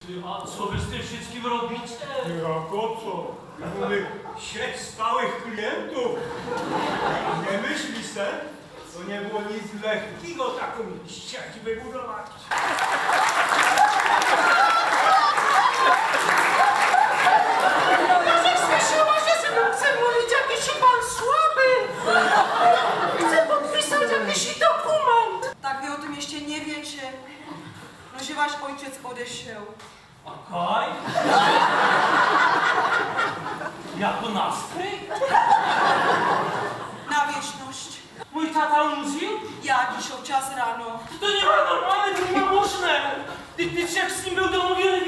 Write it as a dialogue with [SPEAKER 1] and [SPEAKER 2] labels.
[SPEAKER 1] A co wy z tym wszystkim robicie?
[SPEAKER 2] Jak o co? Mamy sieć stałych klientów. Nie myśli se, to nie było nic lekkiego taką sieć wybudować.
[SPEAKER 3] Słyszała, że ze mną chce mówić jakiś pan słaby. Chce podpisać jakiś dokument.
[SPEAKER 4] Tak wy o tym jeszcze nie wiecie, no że wasz ojciec odeszedł.
[SPEAKER 1] Okej. Jako nastrój?
[SPEAKER 4] Na wieczność.
[SPEAKER 1] Mój tata umrzył?
[SPEAKER 4] Ja dziś o czas rano.
[SPEAKER 1] To nie ma normalne, to nie ma możne. Ty jak z nim był domówiony,